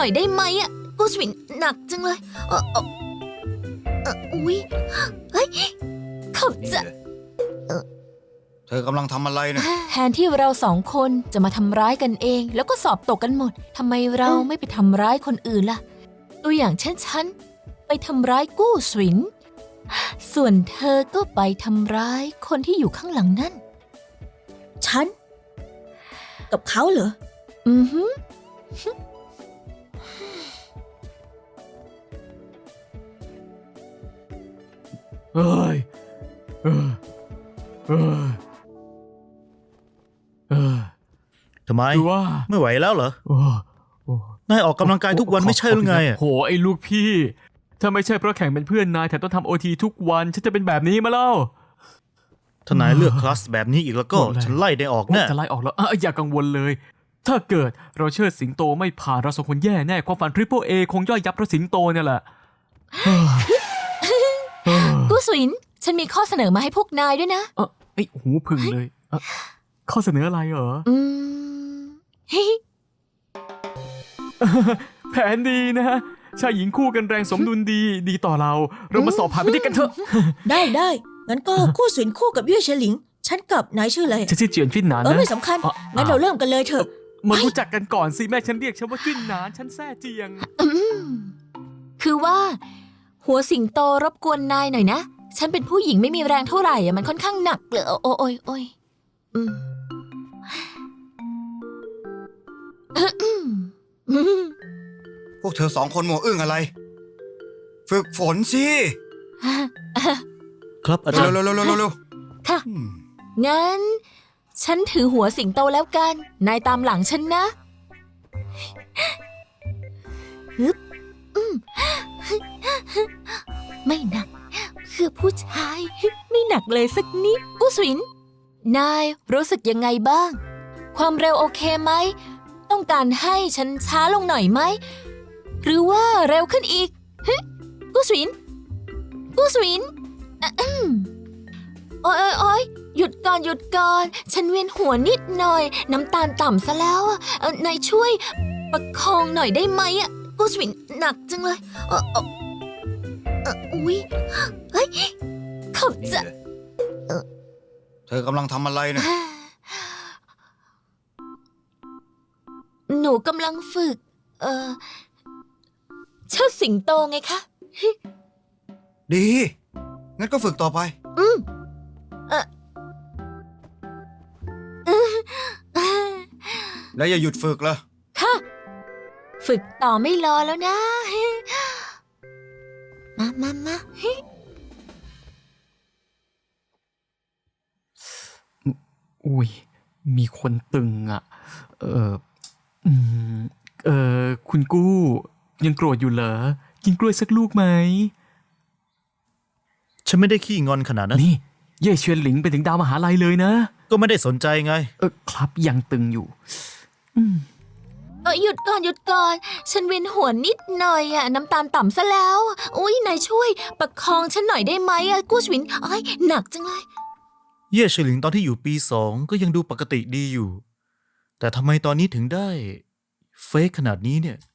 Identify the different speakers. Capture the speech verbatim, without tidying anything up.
Speaker 1: อยได้ไหมอ่ะกูสวินหนักจังเลยเออเออเอออุ้ยเฮ้ยขอบใจ
Speaker 2: เธอกำลังทำอะไรเนี่ย
Speaker 1: แทนที่เราสองคนจะมาทำร้ายกันเอง แล้วก็สอบตกกันหมดทำไมเราไม่ไปทำร้ายคนอื่นล่ะ ตัวอย่างเช่นฉันไปทำร้ายกู้สวินส่วนเธอก็ไปทำร้ายคนที่อยู่ข้างหลังนั่น
Speaker 3: ฉัน กับเขาเหรอ
Speaker 1: อือฮึ
Speaker 4: เอ้ยเออเออเออ
Speaker 5: ทำไม
Speaker 4: คือว่า
Speaker 5: ไม่ไหวแล้วเหรอ
Speaker 4: โอ้โอ้
Speaker 5: นายออกกำลังกายทุกวันไม่ใช่หรือไงอะ
Speaker 4: โหไอ้ลูกพี่ ถ้าไม่ใช่เพราะแข่งเป็นเพื่อนนายแต่ต้องทำโอทีทุกวันฉันจะเป็นแบบนี้มาแล้ว
Speaker 5: ถ้านายเลือกคลาสแบบนี้อีกแล้วก็
Speaker 4: หมดเลย
Speaker 5: ฉันไล่ได้ออกแน่
Speaker 4: จะไล่ออกแล้วอ่ะอย่ากังวลเลย ถ้าเกิดเราเชิดสิงโตไม่ผ่านเราสองคนแย่แน่ความฝันทริปเปิลเอคงย่อยยับเพราะสิงโตเนี่ยแหละเฮ้ยเฮ้ย
Speaker 1: กู้สวินฉันมีข้อเสนอมาให้พวกนายด้วยนะ
Speaker 4: เออไอ้หูพึ่งเลยเอ่อข้อเสนออะไรเหรอ
Speaker 1: อืมเฮ้ย
Speaker 4: แผนดีนะฮะชายหญิงคู่กันแรงสมดุลดีดีต่อเรา เรามาสอบผ่านไปด้วยกันเถอะ
Speaker 3: ได้ได้งั้นก็คู่สวินคู่กับเย่เฉลิง ฉันกับนายชื่ออะไร
Speaker 4: ฉันชื่อเจียนฟินหนาน
Speaker 3: เออ
Speaker 4: นะ
Speaker 3: ไม่สำคัญ
Speaker 4: อ่ะ
Speaker 3: งั้นเราเริ่มกันเลยเถอะ
Speaker 4: มารู้จักกันก่อนสิแม่ฉันเรียกฉันว่าฟินหนานฉันแซ่เจียง
Speaker 1: อืมคือว่า หัวสิงโตรบกวนนายหน่อยนะ ฉันเป็นผู้หญิงไม่มีแรงเท่าไหร่อะมันค่อนข้างหนักเลยโอ้โอ้ยโอ้ยอืมอืมอืม
Speaker 2: พวกเธอสองคนมัวอึ้งอะไร ฝึกฝนสิ
Speaker 5: ครับอาจารย์
Speaker 2: เร็วเร็วเร็วเร็วเร็ว
Speaker 1: ค่ะ
Speaker 2: อืม
Speaker 1: งั้น ฉันถือหัวสิงโตแล้วกัน นายตามหลังฉันนะฮึบอืมไม่หนักเพื่อผู้ชายไม่หนักเลยสักนิดกู้สวิน นายรู้สึกยังไงบ้าง ความเร็วโอเคไหม ต้องการให้ฉันช้าลงหน่อยไหม หรือว่าเร็วขึ้นอีกฮึกู้สวิน กู้สวินอะอืมโอ๊ยโอ๊ยโอ๊ยหยุดก่อนหยุดก่อน ฉันเวียนหัวนิดหน่อย น้ำตาลต่ำซะแล้วอะเอ่อนายช่วยประคองหน่อยได้ไหมอะกู้สวินหนักจังเลยเออเออเอออุ๊ยเฮ้ยขอบใจ
Speaker 2: เธอกำลังทำอะไรเนี่ย
Speaker 1: หนูกำลังฝึก เออเชิดสิงโตไงคะ
Speaker 2: ดี งั้นก็ฝึกต่อไป
Speaker 1: อืมเออเออ
Speaker 2: แล้วอย่าหยุดฝึกละ
Speaker 1: ค่ะ ฝึกต่อไม่รอแล้วนะ มามามา
Speaker 4: อุ้ยมีคนตึงอ่ะ เอออืมเออคุณกู้ ยังโกรธอยู่เหรอ กินกล้วยสักลูกไหม
Speaker 5: ฉันไม่ได้ขี้งอนขนาดนั้น
Speaker 4: นี่ เย่เชียนหลิงไปถึงดาวมหาลัยเลยนะ
Speaker 5: ก็ไม่ได้สนใจไง
Speaker 4: เออครับยังตึงอยู่ อืม
Speaker 1: เออหยุดก่อนหยุดก่อน ฉันเวียนหัวนิดหน่อยอะน้ำตาลต่ำซะแล้ว อุ้ยนายช่วย ประคองฉันหน่อยได้ไหมอะกู้สวินอ้ายหนักจังเลย
Speaker 5: เย่เฉลิงตอนที่อยู่ปีสองก็ยังดูปกติดีอยู่ แต่ทำไมตอนนี้ถึงได้เฟกขนาดนี้เนี่ย